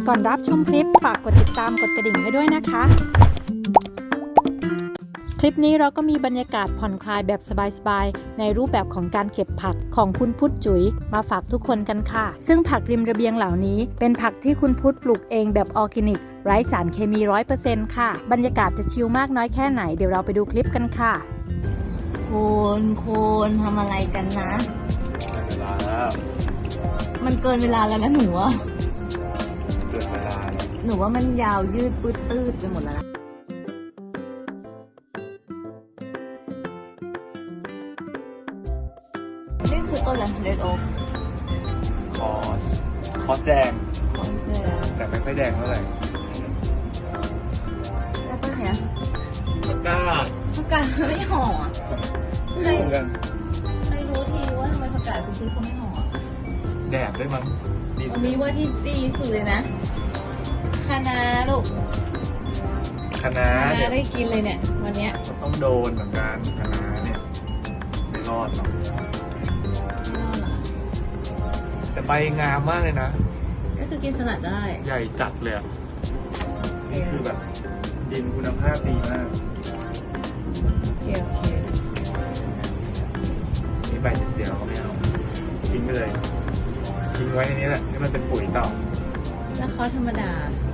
ก่อนรับชมคลิปฝากกดติดตามกดกระดิ่งให้ด้วยนะคะคลิปนี้เราก็มีบรรยากาศผ่อนคลายแบบสบายๆในรูปแบบของการเก็บผักของคุณพุทธจุ๋ยมาฝากทุกคนกันค่ะซึ่งผักริมระเบียงเหล่านี้เป็นผักที่คุณพุทธปลูกเองแบบออร์แกนิกไร้สารเคมี 100% ค่ะบรรยากาศจะชิลมากน้อยแค่ไหนเดี๋ยวเราไปดูคลิปกันค่ะคนทำอะไรกันนะเวลาแล้วมันเกินเวลาแล้วนะหนูว่าเกิดเวลาแล้วหนูว่ามันยาวยืดปืดตืดไปหมดแล้วนะนี่คือต้นอะไรเรดโอ๊กคอสแดงของเกลือแต่ไม่ค่อยแดงเท่าไหร่แล้วต้นเนี้ยปากกาผักกาดไม่ห่ออะไม่รู้เหมือนกันไม่รู้ทีว่าทำไมผักกาดคุณซื้อเขาไม่ห่ออะแดดด้วยมั้งนี่มีว่าที่ดีสุดเลยนะคะน้าลูกคะน้าคะเนี่น้าย ได้กินเลยเนี่ยวันเนี้ยต้องโดนเหมือนกันคะน้าเนี่ยไม่รอดหรอกไม่รอดเหรอแต่ใบงามมากเลยนะก็คือกินสลัดได้ใหญ่จัดเลยอะนี่คือแบบดินคุณภาพดีมากโอเคนี่ใบเสียๆเราก็ไม่เอาทิ้งไปเลยทิ้งไว้ในนี้แหละให้มันเป็นปุ๋ยต่อแล้วเขาธรรมดา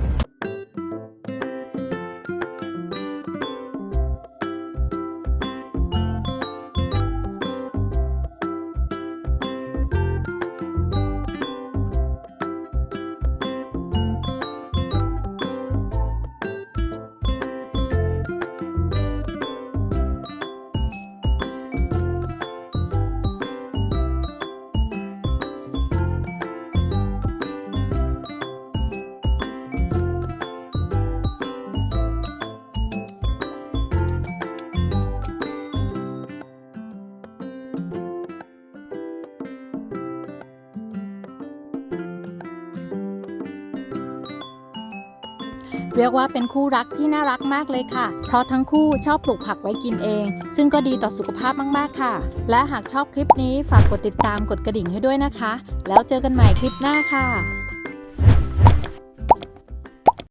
เรียกว่าเป็นคู่รักที่น่ารักมากเลยค่ะ เพราะทั้งคู่ชอบปลูกผักไว้กินเอง ซึ่งก็ดีต่อสุขภาพมากๆค่ะ และหากชอบคลิปนี้ฝากกดติดตามกดกระดิ่งให้ด้วยนะคะ แล้วเจอกันใหม่คลิปหน้าค่ะ